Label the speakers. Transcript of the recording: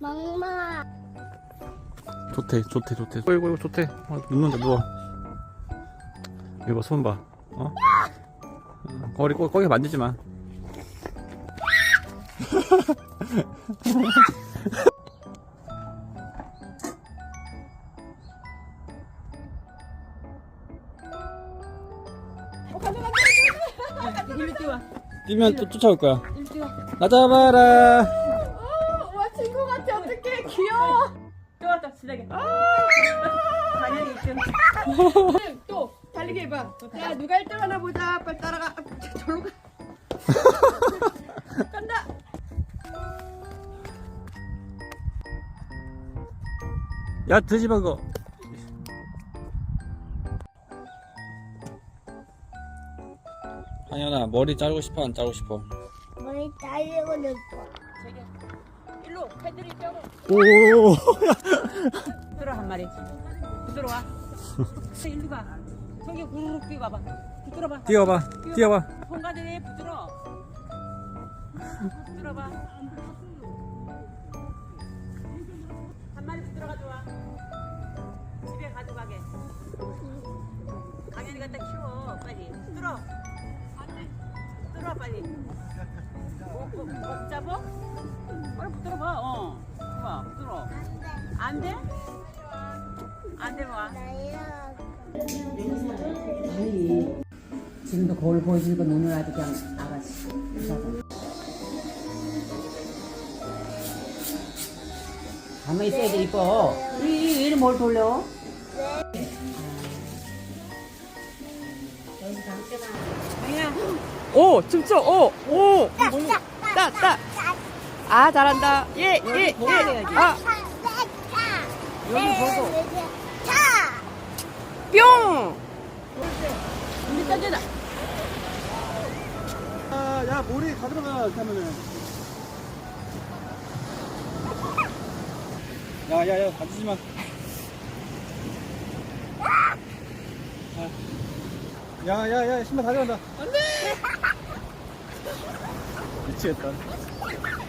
Speaker 1: 멍멍아.
Speaker 2: 좋대. 어이구 좋대. 눕는다 누워. 이거 봐, 손 봐. 거기 만지지 마. 뛰면 또 쫓아올 거야. 나 잡아라.
Speaker 3: 와 친구 같아. 어떡해 귀여워. 좋았다 진하게. 당연히 1등. 또 달리기 해봐. 야 누가 1등 하나 보자. 빨리 따라가. 저로 가. 간다.
Speaker 2: 야 드지마 그거. 한현아 머리 자르고 싶어 안 자르고 싶어?
Speaker 1: 머리 자르고 싶어.
Speaker 3: 일로 패들이 뼈로.
Speaker 2: 오.
Speaker 3: 부드러 한 마리. 부드러워. 일로 가. 저기 후루룩 뛰어봐봐. 부드러봐.
Speaker 2: 뛰어봐.
Speaker 3: 손가락이 부드러. 부드러봐. 한 마리 부드러 가져와. 집에 가져가게. 강현이 갖다 키워. 빨리. 부드러. 부드러 빨리. 못 잡어? 빨리 부드러봐. 봐. 부드러. 안 돼? 안 돼, 봐.
Speaker 4: 아니 지금도 거울 보여주니까 눈을 아주 그냥 아가씨 가만히 있어야지 이뻐 이리 뭘 돌려?
Speaker 3: 오, 춤춰. 오. 따. 아, 잘한다. 예. 아,
Speaker 1: 여기 보고.
Speaker 3: 뿅. 우리 던져다.
Speaker 2: 야 머리 다 들어가 이렇게 하면은. 야야야 다치지 마. 야야야 신발 다 들어간다. 안돼. 미치겠다.